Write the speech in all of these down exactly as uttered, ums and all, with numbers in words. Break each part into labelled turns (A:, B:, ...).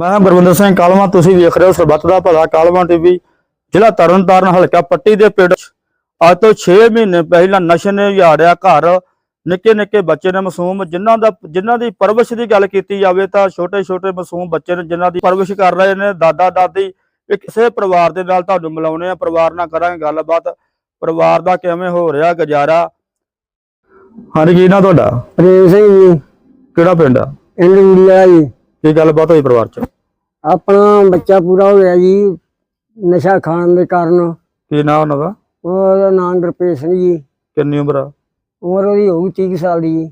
A: मैं गुरविंदर सिंह कालवा, तुसीं वेख रहे हो सरबत दा भला कालवा टीवी। जिला तरन तारण हल्का पट्टी दे पिंड अज तो छे महीने पहला नशे ने उजाड़िया घर। निक्के निक्के बच्चे ने मासूम जिन्हां दा जिन्हां दी परवरिश की गल कीती जावे तां छोटे छोटे मासूम बच्चे ने जिन्हां दी परवरिश कर रहे ने दादा दादी। किसी परिवार दे नाल तुहानूं मिलाउने आ, परिवार नाल करांगे गलबात, परिवार दा किवें हो रहा गुजारा। हाँ जी, की ना तुहाडा?
B: प्रेम सिंह जी।
A: किहड़ा पिंड आ?
B: पिंड रूड़ीवाला जी।
A: की गलबात होई परिवार च?
B: अपना बच्चा पूरा हो गया जी नशा खाण दे कारण।
A: की नाम उन्हां दा?
B: ਉਹਦਾ नाम गुरप्रीत सिंह जी।
A: किन्नी उम्र आ?
B: उम्र ਉਹਦੀ होगी तीस साल ਦੀ जी।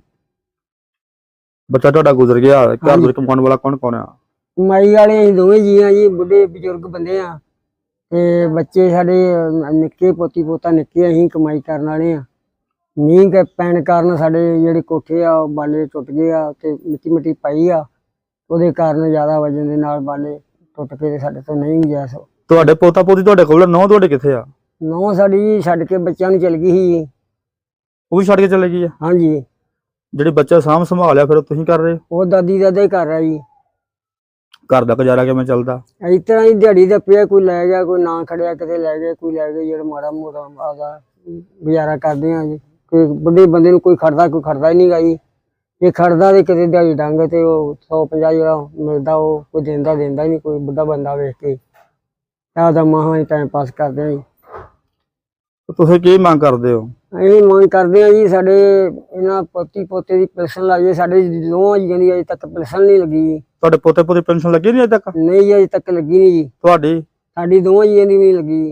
A: बच्चा तुहाडा गुजर गया, घर विच कमाउण वाला कौन कौन आ?
B: कमाई वाले ਅਸੀਂ ਦੋਵੇਂ ਜੀ ਆ ਜੀ, ਬੁੱਢੇ ਬਜ਼ੁਰਗ ਬੰਦੇ ਆ ਤੇ ਬੱਚੇ ਸਾਡੇ ਨਿੱਕੇ ਪੋਤੀ ਪੋਤਾ ਨਿੱਕੇ, ਅਸੀਂ ਕਮਾਈ ਕਰਨ ਵਾਲੇ ਆ। ਮੀਂਹ ਕੇ ਪੈਣ ਕਾਰਨ ਸਾਡੇ ਜਿਹੜੇ ਕੋਠੇ ਆ ਬਾਲੇ ਟੁੱਟ ਗਏ ਆ ਤੇ ਮਿੱਟੀ ਮਿੱਟੀ ਪਈ ਆ, ਉਹਦੇ ਕਾਰਨ ਜ਼ਿਆਦਾ ਵਜਨ ਦੇ ਨਾਲ ਬਾਲੇ ਟੁੱਟ ਕੇ ਤੇ ਸਾਡੇ ਤੋਂ ਨਹੀਂ ਗੁਜ਼ਾਰਿਸ਼।
A: ਤੁਹਾਡੇ ਪੋਤਾ ਪੋਤੀ ਤੁਹਾਡੇ ਕੋਲ? ਨੌ ਤੁਹਾਡੇ ਕਿੱਥੇ ਆ?
B: ਨੌ ਸਾਡੀ ਜੀ ਛੱਡ ਕੇ ਬੱਚਿਆਂ ਨੂੰ ਚਲ ਗਈ ਸੀ।
A: ਉਹ ਵੀ ਛੱਡ ਕੇ ਚਲੇ ਗਈ ਆ?
B: ਹਾਂਜੀ।
A: ਜਿਹੜੀ ਬੱਚਾ ਸਾਂਭ ਸੰਭਾਲਿਆ ਫਿਰ ਤੁਸੀਂ ਕਰ ਰਹੇ?
B: ਉਹ ਦਾਦੀ ਦਾਦਾ ਹੀ ਕਰ ਰਿਹਾ ਜੀ।
A: ਘਰ ਦਾ ਗੁਜ਼ਾਰਾ ਕਿਵੇਂ ਚੱਲਦਾ?
B: ਇਸ ਤਰ੍ਹਾਂ ਹੀ ਦਿਹਾੜੀ ਦਾ ਪਿਆ, ਕੋਈ ਲੈ ਗਿਆ, ਕੋਈ ਨਾ ਖੜਿਆ, ਕਿਤੇ ਲੈ ਗਿਆ, ਕੋਈ ਲੈ ਗਿਆ, ਜਿਹੜਾ ਮਾੜਾ ਮੋਟਾ ਆਦਾ ਗੁਜ਼ਾਰਾ ਕਰਦੇ ਆ ਜੀ। ਕੋਈ ਬੁੱਢੇ ਬੰਦੇ ਨੂੰ ਕੋਈ ਖੜਦਾ ਕੋਈ ਖੜਦਾ ਹੀ ਨਹੀਂ ਗਾ ਜੀ। ਜੇ ਖੜਦਾ ਤੇ ਕਿਤੇ ਦਿਹਾੜੀ ਡੰਗ ਤੇ ਉਹ ਸੌ ਪੰਜਾਹ ਜਿਹੜਾ ਮਿਲਦਾ ਉਹ ਕੋਈ ਦਿੰਦਾ ਦਿੰਦਾ ਹੀ ਨਹੀਂ। ਕੋਈ ਬੁੱਢਾ ਬੰਦਾ ਵੇਖ ਕੇ ਆਪਦਾ ਮਹਾਂ ਹੀ ਟਾਈਮ ਪਾਸ ਕਰਦੇ ਆ ਜੀ।
A: ਤੁਸੀਂ ਕੀ ਮੰਗ ਕਰਦੇ ਹੋ?
B: ਅਸੀਂ ਮੰਗ ਕਰਦੇ ਆ ਜੀ ਸਾਡੇ ਇਹਨਾਂ ਪੋਤੀ ਪੋਤੇ ਦੀ ਪੈਨਸ਼ਨ ਲੱਗ ਜਾਏ। ਸਾਡੇ ਦੋਵਾਂ ਜੀਆਂ ਦੀ ਅਜੇ ਤੱਕ ਪੈਨਸ਼ਨ ਨਹੀਂ ਲੱਗੀ ਜੀ।
A: ਤੁਹਾਡੇ ਪੋਤੇ ਪੋਤੀ ਪੈਨਸ਼ਨ ਲੱਗੀ ਨਹੀਂ ਅਜੇ ਤੱਕ?
B: ਨਹੀਂ ਜੀ, ਅਜੇ ਤੱਕ ਲੱਗੀ ਨਹੀਂ ਜੀ।
A: ਤੁਹਾਡੀ?
B: ਸਾਡੀ ਦੋਵਾਂ ਜੀਆਂ ਦੀ ਵੀ ਨਹੀਂ ਲੱਗੀ।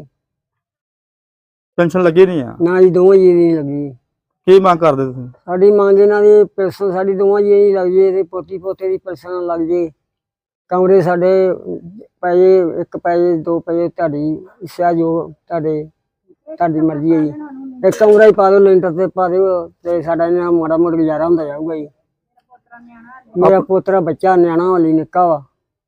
A: ਪੈਨਸ਼ਨ ਲੱਗੀ ਨਹੀਂ ਆ?
B: ਨਾ ਜੀ, ਦੋਵਾਂ ਜੀਆਂ ਦੀ ਨਹੀਂ ਲੱਗੀ।
A: ਕੀ ਮੰਗ ਕਰਦੇ ਤੁਸੀਂ?
B: ਸਾਡੀ ਮੰਗ ਇਹਨਾਂ ਦੀ ਪੈਨਸ਼ਨ ਸਾਡੀ ਦੋਵਾਂ ਜੀਆਂ ਦੀ ਲੱਗ ਜੇ ਤੇ ਪੋਤੀ ਪੋਤੇ ਦੀ ਪੈਨਸ਼ਨ ਲੱਗ ਜੇ। ਕਮਰੇ ਸਾਡੇ ਪੈ ਜੇ, ਇੱਕ ਪੈ ਜੇ, ਦੋ ਪੈ ਜੇ, ਤੁਹਾਡੀ ਇੱਛਾ ਜੋ ਤੁਹਾਡੇ ਤੁਹਾਡੀ ਮਰਜ਼ੀ ਹੈ ਜੀ। ਇੱਕ ਕਮਰਾ ਹੀ ਪਾ ਦਿਓ, ਲੈਂਟਰ ਤੇ ਪਾ ਦਿਓ ਤੇ ਸਾਡਾ ਇਹਨਾਂ ਮਾੜਾ ਮੋਟਾ ਗੁਜ਼ਾਰਾ ਹੁੰਦਾ ਜਾਊਗਾ ਜੀ। ਮੇਰਾ ਪੋਤਰਾ ਬੱਚਾ ਨਿਆਣਾ ਵਾਲੀ ਨਿੱਕਾ ਵਾ।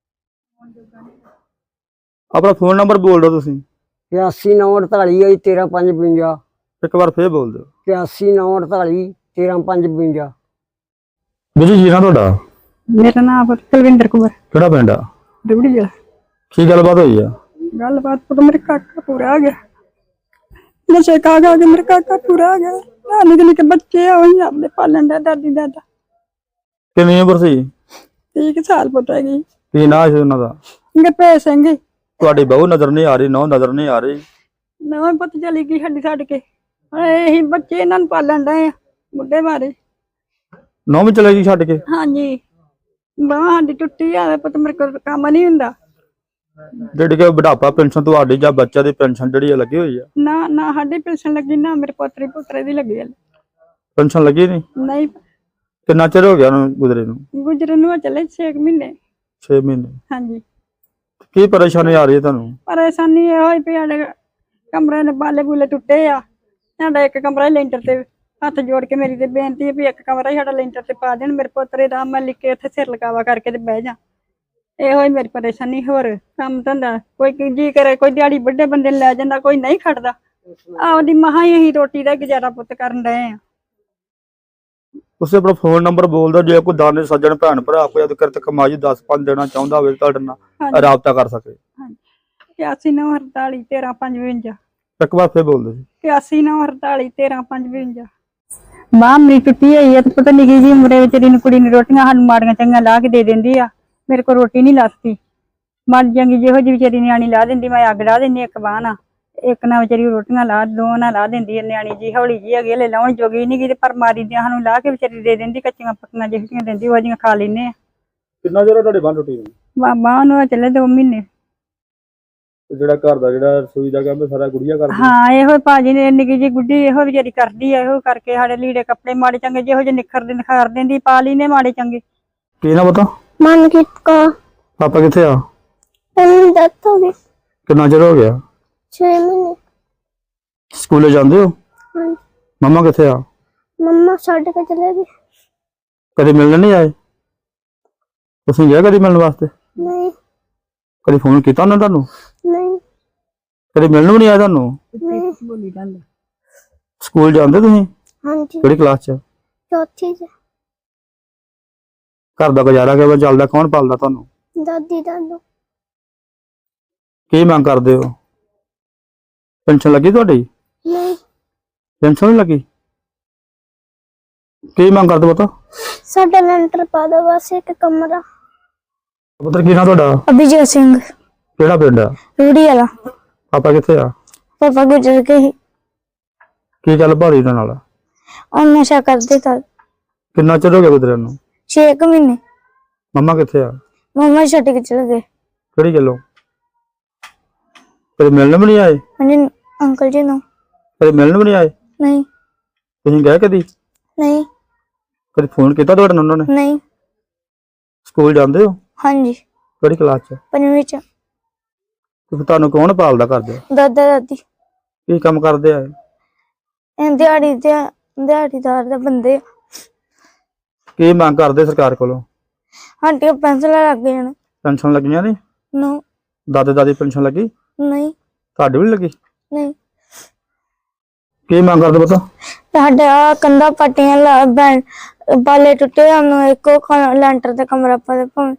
A: ਆਪਣਾ ਫੋਨ ਨੰਬਰ ਬੋਲ ਦਿਓ ਤੁਸੀਂ।
B: ਇਕਿਆਸੀ ਨੌ ਅੜਤਾਲੀ ਹੈ ਜੀ, ਤੇਰਾਂ ਪੰਜ ਬਵੰਜਾ।
A: ਇੱਕ ਵਾਰ ਫੇਰ ਬੋਲ ਦਿਓ।
B: ਇਕਿਆਸੀ ਨੌ ਅੜਤਾਲੀ ਤੇਰਾਂ ਪੰਜ ਬਵੰਜਾ।
A: ਵੀਰ ਜੀ ਨਾ ਤੁਹਾਡਾ?
C: मेरा नाम कुलविंदर कुमार।
A: ਕਿਹੜਾ ਪਿੰਡ ਆ?
C: रुड़ी जिला।
A: ਕੀ ਗੱਲਬਾਤ ਹੋਈ ਆ?
C: गलबात तो मेरे काका पूरा आ गया, नशे का आ गया, मेरे काका पूरा आ गया। निके निके बच्चे आ वही आपने पालन दे दादी दादा।
A: ਕਿੰਨੀ ਉਮਰ ਸੀ?
C: तीस साल पुत हैगी।
A: ਕੀ ਨਾਂ ਸੀ ਉਹਨਾਂ ਦਾ?
C: गुरप्रीत सिंह।
A: ਤੁਹਾਡੀ ਬਹੂ ਨਜ਼ਰ ਨਹੀਂ ਆ ਰਹੀ, ਨੌ ਨਜ਼ਰ ਨਹੀਂ ਆ ਰਹੀ।
C: नौं पुत चली गई साडी छड्ड के। यही बच्चे इन्हां नूं पालन दे बुढ़े मारे।
A: नौ भी चले गई छड्ड के?
C: हाँ जी, बांह साडी टुट्टी आ, पुत मेरे कोल काम नहीं हुंदा।
A: ਜਿਹੜੀ ਕਿ ਬੁਢਾਪਾ ਪੈਨਸ਼ਨ ਤੁਹਾਡੀ ਜਾਂ ਬੱਚੇ ਦੀ ਪੈਨਸ਼ਨ ਜਿਹੜੀ ਲੱਗੀ ਹੋਈ ਆ?
C: ना ना साडी पेंशन लगी, ना मेरे पोतरे पुत्रे दी लगी है।
A: ਪੈਨਸ਼ਨ ਲੱਗੀ ਨਹੀਂ?
C: नहीं
A: ਕਿੰਨਾ ਚਿਰ ਹੋ ਗਿਆ ਉਹਨੂੰ ਗੁਜ਼ਰੇ ਨੂੰ?
C: गुजरे नूं चले छे महीने।
A: छे ਮਹੀਨੇ।
C: हाँ जी।
A: ਕੀ ਪਰੇਸ਼ਾਨੀ ਆ ਰਹੀ ਹੈ ਤੁਹਾਨੂੰ?
C: परेशानी ये होई पई साडे कमरे ने बाले बूले टुटे आ। साडा एक कमरा ही लेंटर ते हथ जोड़ के मेरी ते बेनती है भी एक कमरा ही साडा लेंटर ते पा देन। मेरे पोतरे दा मैं लिख के उत्थे सिर लगावा करके ते बह जा। ਇਹ ਹੋਈ ਮੇਰੀ ਪਰੇਸ਼ਾਨੀ। ਹੋਰ ਕੰਮ ਧੰਦਾ ਕੋਈ ਜੀ ਕਰੇ, ਕੋਈ ਦਿਹਾੜੀ ਵੱਡੇ ਬੰਦੇ ਨੂੰ ਲੈ ਜਾਂਦਾ, ਕੋਈ ਨਹੀਂ ਖੜਦਾ। ਆਪਦੀ ਮਹਾਂ ਹੀ ਅਸੀਂ ਰੋਟੀ ਦਾ ਗੁਜ਼ਾਰਾ ਪੁੱਤ ਕਰਨ ਡਏ ਆ।
A: ਤੁਸੀਂ ਆਪਣਾ ਫੋਨ ਨੰਬਰ ਬੋਲ ਦਿਓ, ਜੇ ਕੋਈ ਦਾਨੇ ਸੱਜਣ ਭੈਣ ਭਰਾ ਕੋਈ ਅਦ ਕਿਰਤ ਕਮਾਈ ਦਸ ਪੰਜ ਦੇਣਾ ਚਾਹੁੰਦਾ ਹੋਵੇ ਤੁਹਾਡੇ ਨਾਲ ਰਾਬਤਾ ਕਰ ਸਕੇ।
C: ਇਕਿਆਸੀ ਨੌ ਅੜਤਾਲੀ ਤੇਰਾਂ ਪੰਜ ਬਵੰਜਾ।
A: ਇੱਕ ਵਾਰ ਫੇਰ ਬੋਲ ਦਿਓ ਜੀ।
C: ਇਕਿਆਸੀ ਨੌ ਅੜਤਾਲੀ ਤੇਰਾਂ ਪੰਜ ਬਵੰਜਾ। ਬਾਂਹ ਮੇਰੀ ਟੁੱਟੀ ਹੋਈ ਹੈ ਤੇ ਪਤਾ ਨਿੱਕੀ ਜਿਹੀ ਉਮਰੇ ਵਿਚਾਰੀ ਨੂੰ ਕੁੜੀ ਨੂੰ ਰੋਟੀਆਂ ਸਾਨੂੰ ਮਾੜੀਆਂ ਚੰਗੀਆਂ ਲਾ ਕੇ ਦੇ ਦਿੰਦੀ ਆ। मेरे को रोटी नहीं लाती, मर जाएंगी जो जी बेचारी न्याणी ला देंदी। मैं अग ला देनी एक बाह ना, एक ना बेचारी रोटियां ला दो ना ला देंदी। न्याणी जी हौली जी है, ले लाउण जोगी नहीं गी, पर मारी दियां सानू ला के बेचारी दे देंदी। कच्चियां पक्कियां ਜਿਹੜੀਆਂ ਦਿੰਦੀ ਉਹ ਜੀਆਂ ਖਾ ਲੈਨੇ ਆ।
A: ਕਿੰਨਾ ਚਿਰ ਤੁਹਾਡੇ ਬੰਨ ਟੁੱਟੀ ਹੋਈ?
C: ਬਾਬਾ ਨੂੰ ਚੱਲੇ ਦੋ ਮਹੀਨੇ।
A: ਜਿਹੜਾ ਘਰ ਦਾ ਜਿਹੜਾ ਰਸੋਈ ਦਾ ਕੰਮ ਸਾਰਾ ਗੁੜੀਆ ਕਰਦੀ?
C: ਹਾਂ, ਇਹੋ ਭਾਜੀ ਨੇ ਨਿੱਕੀ ਜੀ ਗੁੱਡੀ ਇਹੋ ਵਿਚਾਰੀ ਕਰਦੀ ਆ। ਇਹੋ ਕਰਕੇ ਸਾਡੇ ਲੀੜੇ ਕੱਪੜੇ ਮਾੜੇ ਚੰਗੇ ਜਿਹੋ ਜਿਹੇ ਨਿਖਰਦੇ ਨਿਖਾਰ ਦਿੰਦੀ, ਪਾ ਲਈ ਨੇ ਮਾੜੇ ਚੰਗੇ।
A: ਕੀ ਨਾ ਪਤਾ?
D: ਮਨਕੀਤ ਕੋ।
A: ਪਾਪਾ ਕਿੱਥੇ ਆ?
D: ਉਹਨੂੰ ਡੈਥ ਹੋ ਗਈ।
A: ਕਿੰਨਾ ਚਿਰ ਹੋ ਗਿਆ?
D: ਛੇ ਮਹੀਨੇ।
A: ਸਕੂਲੇ ਜਾਂਦੇ ਹੋ?
D: ਹਾਂਜੀ।
A: ਮੰਮਾ ਕਿੱਥੇ ਆ?
D: ਮੰਮਾ ਛੱਡ ਕੇ ਚਲੇ ਗਈ।
A: ਕਦੇ ਮਿਲਣ ਨਹੀਂ ਆਏ? ਤੁਸੀਂ ਗਏ ਕਦੀ ਮਿਲਣ ਵਾਸਤੇ?
D: ਨਹੀਂ।
A: ਕਦੀ ਫੋਨ ਕੀਤਾ ਉਹਨਾਂ ਤੁਹਾਨੂੰ?
D: ਨਹੀਂ।
A: ਕਦੀ ਮਿਲਣ ਵੀ ਨਹੀਂ ਆਇਆ ਤੁਹਾਨੂੰ?
D: ਨਹੀਂ।
A: ਸਕੂਲ ਜਾਂਦੇ ਤੁਸੀਂ?
D: ਹਾਂਜੀ।
A: ਕਿਹੜੀ ਕਲਾਸ ਚ?
D: ਚੌਥੀ ਚ।
A: ਘਰ ਦਾ ਗੁਜ਼ਾਰਾ ਕਿਵੇਂ ਚੱਲਦਾ? ਕੌਣ ਪਾਲਦਾ ਤੁਹਾਨੂੰ?
D: ਦਾਦੀ ਦਾਦੂ
A: ਕੀ ਮੰਗ ਕਰਦੇ ਹੋ? ਪੈਨਸ਼ਨ ਲੱਗੀ ਤੁਹਾਡੀ?
D: ਨਹੀਂ
A: ਪੈਨਸ਼ਨ ਨਹੀਂ ਲੱਗੀ? ਕੀ ਮੰਗ ਕਰਦੇ ਪੁੱਤ?
D: ਸਾਡਾ ਲੈਂਟਰ ਪਾ ਦੋ ਬਸ ਇੱਕ ਕਮਰਾ।
A: ਪੁੱਤਰ ਕੀ ਨਾਂ ਤੁਹਾਡਾ?
D: ਅਭਿਜੀਤ ਸਿੰਘ
A: ਕਿਹੜਾ ਪਿੰਡ ਆ?
D: ਰੂੜੀ ਵਾਲਾ।
A: ਪਾਪਾ ਕਿੱਥੇ ਆ?
D: ਪਾਪਾ ਗੁਜ਼ਰ ਗਏ ਸੀ।
A: ਕੀ ਗੱਲ ਭਾਰੀ ਇਹਨਾਂ ਨਾਲ?
D: ਉਹ ਨਸ਼ਾ ਕਰਦੇ ਤਾਂ
A: ਕਿੰਨਾ ਚਿਰ ਹੋ ਗਿਆ ਗੁਜ਼ਰਿਆਂ ਨੂੰ?
D: ਛੇ ਕੁ ਮਹੀਨੇ।
A: ਮੰਮਾ ਕਿੱਥੇ ਆ?
D: ਮੰਮਾ ਛੱਡ ਕੇ ਚਲੇ ਗਏ।
A: ਕਿਹੜੀ ਗੱਲੋਂ? ਕਦੇ ਮਿਲਣ ਵੀ ਨਹੀਂ ਆਏ?
D: ਹਾਂਜੀ ਅੰਕਲ ਜੀ ਨੂੰ।
A: ਕਦੇ ਮਿਲਣ ਵੀ ਨਹੀਂ ਆਏ?
D: ਨਹੀਂ
A: ਤੁਸੀਂ ਗਏ ਕਦੀ?
D: ਨਹੀਂ
A: ਕਦੇ ਫੋਨ ਕੀਤਾ ਤੁਹਾਡੇ ਨਾਲ ਉਹਨਾਂ ਨੇ?
D: ਨਹੀਂ।
A: ਸਕੂਲ ਜਾਂਦੇ ਹੋ?
D: ਹਾਂਜੀ
A: ਕਿਹੜੀ ਕਲਾਸ ਚ?
D: ਪੰਜਵੀਂ ਚ।
A: ਤੇ ਫਿਰ ਤੁਹਾਨੂੰ ਕੌਣ ਪਾਲਦਾ ਕਰਦੇ?
D: ਦਾਦਾ ਦਾਦੀ
A: ਕੀ ਕੰਮ ਕਰਦੇ ਆ?
D: ਇਹ ਦਿਹਾੜੀ ਤੇ ਦਿਹਾੜੀਦਾਰ ਦੇ ਬੰਦੇ ਆ।
A: ਕੀ ਮੰਗ ਕਰਦੇ ਸਰਕਾਰ ਕੋਲੋਂ?
D: ਸਾਡੀਆਂ ਪੈਨਸਲਾਂ ਲੱਗ ਜਾਣ।
A: ਪੈਨਸ਼ਨ ਲੱਗੀਆਂ ਨੇ?
D: ਨੋ
A: ਦਾਦੇ ਦਾਦੀ ਪੈਨਸ਼ਨ ਲੱਗੀ?
D: ਨਹੀਂ
A: ਤੁਹਾਡੀ ਵੀ ਨੀ ਲੱਗੀ?
D: ਨਹੀਂ।
A: ਕੀ ਮੰਗ ਕਰਦੇ ਪੁੱਤ?
D: ਸਾਡਾ ਕੰਧਾਂ ਪੱਟੀਆਂ ਲਾ ਬੈਂ ਬਾਲੇ ਟੁੱਟੇ ਸਾਨੂੰ ਇੱਕੋ ਖ- ਲੈਂਟਰ ਤੇ ਕਮਰਾ ਪਾ ਦੇ ਭਾਵੇਂ।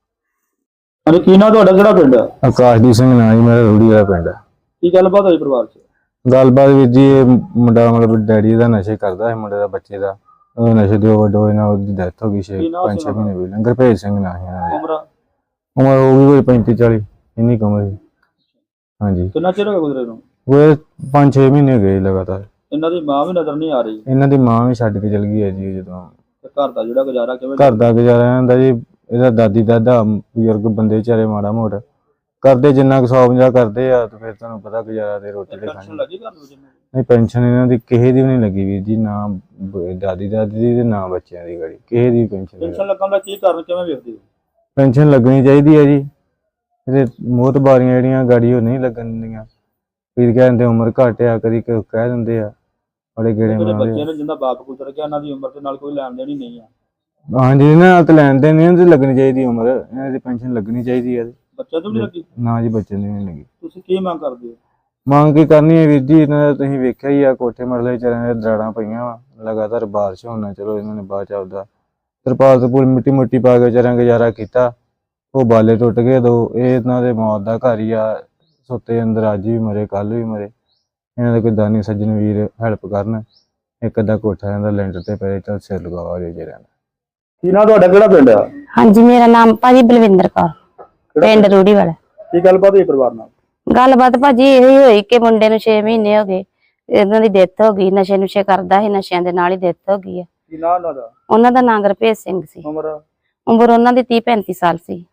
A: ਅਰੇ ਕੀ ਨਾਂ ਤੁਹਾਡਾ? ਕਿਹੜਾ ਪਿੰਡ ਆ?
E: ਆਕਾਸ਼ਦੀਪ ਸਿੰਘ ਨਾਂ ਜੀ ਮੇਰਾ, ਰੂੜੀ ਵਾਲਾ ਪਿੰਡ ਹੈ।
A: ਕੀ ਗੱਲਬਾਤ ਹੋਈ ਪਰਿਵਾਰ ਚ?
E: ਗੱਲਬਾਤ ਵੀਰ ਜੀ, ਇਹ ਮੁੰਡਾ ਮਤਲਬ ਡੈਡੀ ਦਾ ਨਸ਼ੇ ਕਰਦਾ ਹੈ, ਮੁੰਡੇ ਦਾ ਬੱਚੇ ਦਾ ਉਹ ਨਸ਼ੇ ਦੀ ਓਵਰਡੋਜ਼ ਨਾਲ ਉਹਦੀ ਡੈਥ ਹੋ ਗਈ ਛੇ
A: ਕੀ ਨਾਂ
E: ਪੰਜ
A: ਸੀ
E: ਛੇ
A: ਉਹਨਾਂ
E: ਮਹੀਨੇ ਪਹਿਲਾਂ। ਗੁਰਭੇਜ ਸਿੰਘ ਨਾਂ ਸੀ ਇਹਨਾਂ ਦੀ।
A: ਉਮਰ
E: ਉਮਰ ਹੋ ਗਈ ਕੋਈ ਪੈਂਤੀ ਚਾਲੀ, ਇੰਨੀ ਕੁ ਉਮਰ ਸੀ। ਹਾਂਜੀ
A: ਕਿੰਨਾ ਚਿਰ ਹੋ ਗਿਆ ਗੁਜ਼ਰੇ ਨੂੰ?
E: ਉਹ ਪੰਜ ਛੇ ਮਹੀਨੇ ਗਏ ਲਗਾਤਾਰ।
A: ਇਹਨਾਂ ਦੀ ਮਾਂ ਵੀ ਨਜ਼ਰ ਨਹੀਂ ਆ ਰਹੀ
E: ਇਹਨਾਂ ਦੀ ਮਾਂ ਵੀ ਛੱਡ ਕੇ ਚਲ ਗਈ ਹੈ ਜੀ। ਜਦੋਂ
A: ਤੇ ਘਰ ਦਾ ਜਿਹੜਾ ਗੁਜ਼ਾਰਾ ਕਿਵੇਂ?
E: ਘਰ ਦਾ ਗੁਜ਼ਾਰਾ ਇਹਨਾਂ ਦਾ ਜੀ, ਇਹਦਾ ਦਾਦੀ ਦਾਦਾ ਬਜ਼ੁਰਗ ਬੰਦੇ ਵਿਚਾਰੇ ਮਾੜਾ ਮੋਟਾ ਕਰਦੇ, ਜਿੰਨਾ ਕੁ ਸੌ ਪੰਜਾਹ ਕਰਦੇ ਆ, ਤੇ ਫਿਰ ਤੁਹਾਨੂੰ ਪਤਾ ਗੁਜ਼ਾਰਾ ਤੇ ਰੋਟੀ ਤੇ
A: ਪੈਨਸ਼ਨ
E: ਖਾਣੀ।
A: ਲੱਗੀ ਘਰ ਨੂੰ ਜਿੰਨੇ?
E: ਨਹੀਂ ਪੈਨਸ਼ਨ ਇਹਨਾਂ ਦੀ ਕਿਸੇ ਦੀ ਵੀ ਨਹੀਂ ਲੱਗੀ ਵੀਰ ਜੀ, ਨਾ ਬ- ਦਾਦੀ ਦਾਦੀ ਦੀ ਤੇ ਨਾ ਬੱਚਿਆਂ ਦੀ ਗੜੀ ਕਿਸੇ ਦੀ ਪੈਨਸ਼ਨ ਨਹੀਂ।
A: ਪੈਨਸ਼ਨ ਲੱਗਣ ਦਾ ਕੀ ਕਾਰਨ ਕਿਵੇਂ ਵੇਖਦੇ ਹੋ?
E: ਪੈਨਸ਼ਨ ਲੱਗਣੀ ਚਾਹੀਦੀ ਹੈ ਜੀ। ਇਹਦੇ ਮੌਤ ਬਾਰੀਆਂ ਜਿਹੜੀਆਂ ਗਾੜੀ ਉਹ ਨਹੀਂ ਲੱਗਣ ਦਿੰਦੀਆਂ। ਵੀਰ ਕਹਿੰਦੇ ਉਮਰ ਘੱਟ ਆ, ਕਦੀ ਕ- ਕਹਿ ਦਿੰਦੇ ਆ ਬੜੇ ਗੇੜੇ
A: ਜਿਹੜੇ
E: ਮਾਰਦੇ
A: ਬੱਚੇ
E: ਆ।
A: ਨੇ ਜਿੰਦਾ ਬਾਪ ਗੁਜ਼ਰ ਗਿਆ, ਉਹਨਾਂ ਦੀ ਉਮਰ ਦੇ ਨਾਲ ਕੋਈ ਲੈਣ ਦੇਣ ਹੀ ਨਹੀਂ ਆ।
E: ਹਾਂਜੀ ਇਹਨਾਂ ਨਾਲ ਤਾਂ ਲੈਣ ਦੇਣ ਨਹੀਂ, ਇਹਨਾਂ ਦੀ ਲੱਗਣੀ ਚਾਹੀਦੀ ਉਮਰ, ਇਹਨਾਂ ਦੀ ਪੈਨਸ਼ਨ ਲੱਗਣੀ ਚਾਹੀਦੀ ਹੈ।
A: ਬੱਚਿਆਂ ਤੋਂ ਵੀ ਲੱਗੀ?
E: ਨਾ ਜੀ ਬੱਚੇ ਦੀ ਨਹੀਂ ਲੱਗੀ।
A: ਤੁਸੀਂ ਕੀ ਮੰਗ ਕਰਦੇ ਹੋ?
E: ਮੰਗ ਕੀ ਕਰਨੀ ਹੈ ਵੀਰ ਜੀ, ਇਹਨਾਂ ਦਾ ਤੁਸੀਂ ਵੇਖਿਆ ਹੀ ਆ, ਕੋਠੇ ਮਰਲੇ ਵਿਚਾਰਿਆਂ ਦੇ ਦਰਾੜਾਂ ਪਈਆਂ ਵਾ ਲਗਾਤਾਰ, ਬਾਰਿਸ਼ ਹੋਣਾ, ਚਲੋ ਇਹਨਾਂ ਨੇ ਬਾਅਦ ਚ ਆਪਦਾ ਤਰਪਾਲ ਤਰਪੂਲ ਮਿੱਟੀ ਮੁੱਟੀ ਪਾ ਕੇ ਵਿਚਾਰਿਆਂ ਗੁਜ਼ਾਰਾ ਕੀਤਾ। ਉਹ ਬਾਲੇ ਟੁੱਟ ਗਏ ਦੋ, ਇਹ ਇਹਨਾਂ ਦੇ ਮੌਤ ਦਾ ਘਰ ਹੀ ਆ। ਸੁੱਤੇ ਅੰਦਰ ਅੱਜ ਵੀ ਮਰੇ, ਕੱਲ ਵੀ ਮਰੇ। ਇਹਨਾਂ ਦੇ ਕੋਈ ਦਾਨੀ ਸੱਜਣ ਵੀਰ ਹੈਲਪ ਕਰਨ, ਇੱਕ ਅੱਧਾ ਕੋਠਾ ਇਹਨਾਂ ਦਾ ਲੈਂਟਰ ਤੇ ਪਏ, ਚੱਲ ਸਿਰ ਲਗਾਵਾ ਜੇ ਜਿਹੜਾ।
A: ਕੀ ਨਾਂ ਤੁਹਾਡਾ? ਕਿਹੜਾ ਪਿੰਡ ਆ?
F: ਹਾਂਜੀ ਮੇਰਾ ਨਾਮ ਭਾਜੀ ਬਲਵਿੰਦਰ ਕੌਰ, ਪਿੰਡ ਰੂੜੀ ਵਾਲਾ।
A: ਕੀ ਗੱਲਬਾਤ ਹੋਈ ਪਰਿਵਾਰ ਨਾਲ?
F: ਗੱਲਬਾਤ ਭਾਜੀ ਇਹੀ ਹੋਈ ਕਿ ਮੁੰਡੇ ਨੂੰ ਛੇ ਮਹੀਨੇ ਹੋ ਗਏ, ਇਹਨਾਂ ਦੀ ਡੈਥ ਹੋ ਗਈ। ਨਸ਼ੇ ਨੁਸ਼ੇ ਕਰਦਾ ਸੀ, ਨਸ਼ਿਆਂ ਦੇ ਨਾਲ ਹੀ ਡੈਥ ਹੋ ਗਈ ਹੈ।
A: ਕੀ ਨਾਂ ਉਹਨਾਂ ਦਾ?
F: ਉਹਨਾਂ ਦਾ ਨਾਂ ਗੁਰਭੇਜ ਸਿੰਘ ਸੀ।
A: ਉਮਰ?
F: ਉਮਰ ਉਹਨਾਂ ਦੀ ਤੀਹ ਪੈਂਤੀ ਸਾਲ ਸੀ।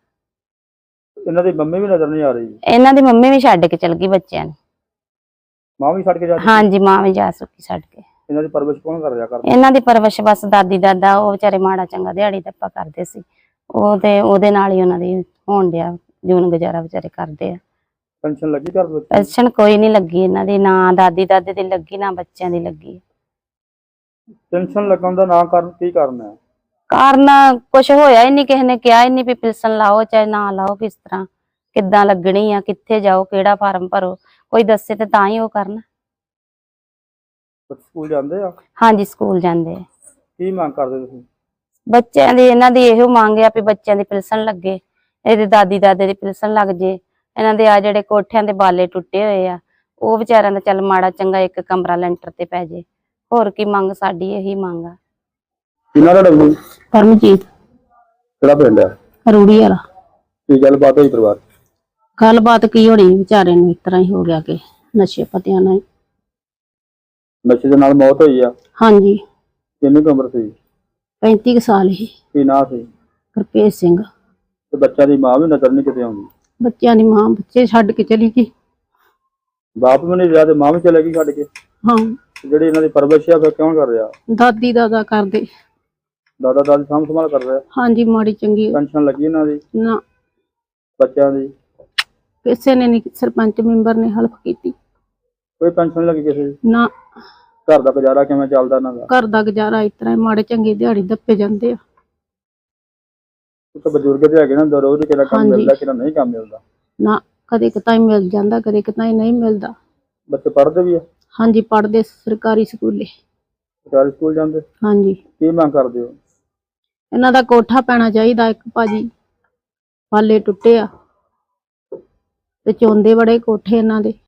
A: ਇਹਨਾਂ ਦੀ ਮੰਮੀ ਵੀ ਨਜ਼ਰ ਨਹੀਂ ਆ ਰਹੀ?
F: ਇਹਨਾਂ ਦੀ ਮੰਮੀ ਵੀ ਛੱਡ ਕੇ ਚਲ ਗਈ ਬੱਚਿਆਂ ਨੂੰ।
A: ਮਾਂ ਵੀ ਛੱਡ ਕੇ ਜਾ ਚੁੱਕੀ?
F: ਹਾਂਜੀ ਮਾਂ ਵੀ ਜਾ ਚੁੱਕੀ ਛੱਡ ਕੇ।
A: ਇਹਨਾਂ ਦੀ ਪਰਵਰਿਸ਼ ਕੌਣ ਕਰ ਰਿਹਾ ਕਰਦਾ?
F: ਇਹਨਾਂ ਦੀ ਪਰਵਰਿਸ਼ ਬਸ ਦਾਦੀ ਦਾਦਾ, ਉਹ ਵਿਚਾਰੇ ਮਾੜਾ ਚੰਗਾ ਦਿਹਾੜੀ ਧੱਪਾ ਕਰਦੇ ਸੀ, ਉਹ ਤੇ ਉਹਦੇ ਨਾਲ ਹੀ ਉਹਨਾਂ ਦੀ ਹੋਣ ਡਿਆ ਜੂਨ ਗੁਜ਼ਾਰਾ ਵਿਚਾਰੇ ਕਰਦੇ ਆ।
A: ਪੈਨਸ਼ਨ ਲੱਗੀ ਘਰ ਵਿੱਚ?
F: ਪੈਨਸ਼ਨ ਕੋਈ ਨਹੀਂ ਲੱਗੀ ਇਹਨਾਂ ਦੀ, ਨਾ ਦਾਦੀ ਦਾਦੇ ਦੀ ਲੱਗੀ, ਨਾ ਬੱਚਿਆਂ ਦੀ ਲੱਗੀ।
A: ਪੈਨਸ਼ਨ ਲੱਗਣ ਦਾ ਨਾ ਕਾਰਨ ਕੀ ਕਾਰਨ ਹੈ?
F: ਕਾਰਨ ਕੁਛ ਹੋਇਆ ਹੀ ਨਹੀਂ, ਕਿਸੇ ਨੇ ਕਿਹਾ ਹੀ ਨਹੀਂ ਵੀ ਪੈਨਸ਼ਨ ਲਾਓ ਚਾਹੇ ਨਾ ਲਾਓ, ਕਿਸ ਤਰ੍ਹਾਂ ਕਿੱਦਾਂ ਲੱਗਣੀ ਆ, ਕਿੱਥੇ ਜਾਓ, ਕਿਹੜਾ ਫਾਰਮ ਭਰੋ, ਕੋਈ ਦੱਸੇ ਤੇ ਤਾਂ ਹੀ ਉਹ ਕਰਨ।
A: ਬੱਚੇ ਸਕੂਲ ਜਾਂਦੇ ਆ?
F: ਹਾਂਜੀ ਸਕੂਲ ਜਾਂਦੇ ਆ।
A: ਕੀ ਮੰਗ ਕਰਦੇ ਤੁਸੀਂ?
F: ਬੱਚਿਆਂ ਦੀ ਇਹਨਾਂ ਦੀ ਇਹੋ ਮੰਗ ਆ ਵੀ ਬੱਚਿਆਂ ਦੀ ਪੈਨਸ਼ਨ ਲੱਗੇ, ਇਹਦੇ ਦਾਦੀ ਦਾਦੇ ਦੀ ਪੈਨਸ਼ਨ ਲੱਗ ਜੇ। ਇਹਨਾਂ ਦੇ ਆ ਜਿਹੜੇ ਕੋਠਿਆਂ ਦੇ ਬਾਲੇ ਟੁੱਟੇ ਹੋਏ ਆ, ਉਹ ਵਿਚਾਰਿਆਂ ਦਾ ਚੱਲ ਮਾੜਾ ਚੰਗਾ ਇੱਕ ਕਮਰਾ ਲੈਂਟਰ ਤੇ ਪੈ ਜੇ। ਹੋਰ ਕੀ ਮੰਗ, ਸਾਡੀ ਇਹੀ ਮੰਗ ਆ।
A: ਕਿਹਨਾਂ ਦਾ ਡੱਬੂ?
C: ਪਰਮਜੀਤ
A: ਕਿਹੜਾ ਪਿੰਡ ਆ?
C: ਰੂੜੀ ਵਾਲਾ।
A: ਕੀ ਗੱਲਬਾਤ ਹੋਈ ਪਰਿਵਾਰ?
C: ਗੱਲਬਾਤ ਕੀ ਹੋਣੀ, ਵਿਚਾਰੇ ਨੂੰ ਇਸ ਤਰ੍ਹਾਂ ਹੀ ਹੋ ਗਿਆ ਕਿ ਨਸ਼ੇ ਪਤਿਆਂ ਨਾਲ।
A: ਨਸ਼ੇ ਦੇ ਨਾਲ ਮੌਤ ਹੋਈ ਆ?
C: ਹਾਂਜੀ
A: ਕਿੰਨੀ ਕੁ ਉਮਰ ਸੀ?
C: ਪੈਂਤੀ ਕੁ ਸਾਲ ਹੀ।
A: ਕੀ ਨਾਂ ਸੀ?
C: ਗੁਰਭੇਜ ਸਿੰਘ।
A: ਤੇ ਬੱਚਿਆਂ ਦੀ ਮਾਂ ਵੀ ਨਜ਼ਰ ਨਹੀਂ ਕਿਤੇ ਆਉਂਦੀ?
C: ਬੱਚਿਆਂ ਦੀ ਮਾਂ ਬੱਚੇ ਛੱਡ ਕੇ ਚਲੀ ਗਈ।
A: ਬਾਪ ਵੀ ਨਹੀਂ ਰਿਹਾ ਤੇ ਮਾਂ ਵੀ ਚਲੇ ਗਈ ਛੱਡ ਕੇ।
C: ਹਾਂ
A: ਤੇ ਜਿਹੜੀ ਇਹਨਾਂ ਦੀ ਪਰਵਰਿਸ਼ ਆ ਫਿਰ ਕੌਣ ਕਰ ਰਿਹਾ?
C: ਦਾਦੀ ਦਾਦਾ ਕਰਦੇ।
A: ਦਾਦਾ ਦਾਦੀ ਸਾਂਭ ਸੰਭਾਲ ਕਰ ਰਿਹਾ?
C: ਹਾਂਜੀ ਮਾੜੀ ਚੰਗੀ
A: ਪੈਨਸ਼ਨ ਲੱਗੀ ਇਹਨਾਂ ਦੀ?
C: ਨਾ
A: ਬੱਚਿਆਂ ਦੀ?
C: ਕਿਸੇ ਨੇ ਨਹੀਂ, ਸਰਪੰਚ ਮੈਂਬਰ ਨੇ ਹੈਲਪ ਕੀਤੀ।
A: ਕੋਈ ਪੈਨਸ਼ਨ ਨਹੀਂ ਲੱਗੀ ਕਿਸੇ ਦੀ?
C: ਨਾ
A: ਘਰ ਦਾ ਗੁਜ਼ਾਰਾ ਕਿਵੇਂ ਚੱਲਦਾ ਇਹਨਾਂ ਦਾ?
C: ਘਰ ਦਾ ਗੁਜ਼ਾਰਾ ਇਸ ਤਰ੍ਹਾਂ ਹੀ, ਮਾੜੇ ਚੰਗੇ ਦਿਹਾੜੀ ਦੱਪੇ ਜਾਂਦੇ ਆ।
A: ਇੱਕ ਬਜ਼ੁਰਗ ਤੇ ਹੈਗੇ ਨਾ, ਰੋਜ਼ ਕਿਹੜਾ ਕੰਮ
C: ਹਾਂਜੀ।
A: ਮਿਲਦਾ ਕਿਹੜਾ ਨਹੀਂ ਕੰਮ ਮਿਲਦਾ।
C: ਨਾ ਕਦੇ ਕਿਤਾ ਹੀ ਮਿਲ ਜਾਂਦਾ, ਕਦੇ ਕਿਤਾ ਹੀ ਨਹੀਂ ਮਿਲਦਾ।
A: ਬੱਚੇ ਪੜ੍ਹਦੇ ਵੀ ਆ?
C: ਹਾਂਜੀ ਪੜ੍ਹਦੇ ਸਰਕਾਰੀ ਸਕੂਲੇ।
A: ਸਰਕਾਰੀ ਸਕੂਲ ਜਾਂਦੇ?
C: ਹਾਂਜੀ
A: ਕੀ ਮੰਗ ਕਰਦੇ ਹੋ?
C: ਇਹਨਾਂ ਦਾ ਕੋਠਾ ਪੈਣਾ ਚਾਹੀਦਾ ਇੱਕ ਭਾਜੀ।
G: ਬਾਲੇ ਟੁੱਟੇ ਆ ਤੇ ਚੌਂਦੇ ਬੜੇ ਕੋਠੇ ਇਹਨਾਂ ਦੇ।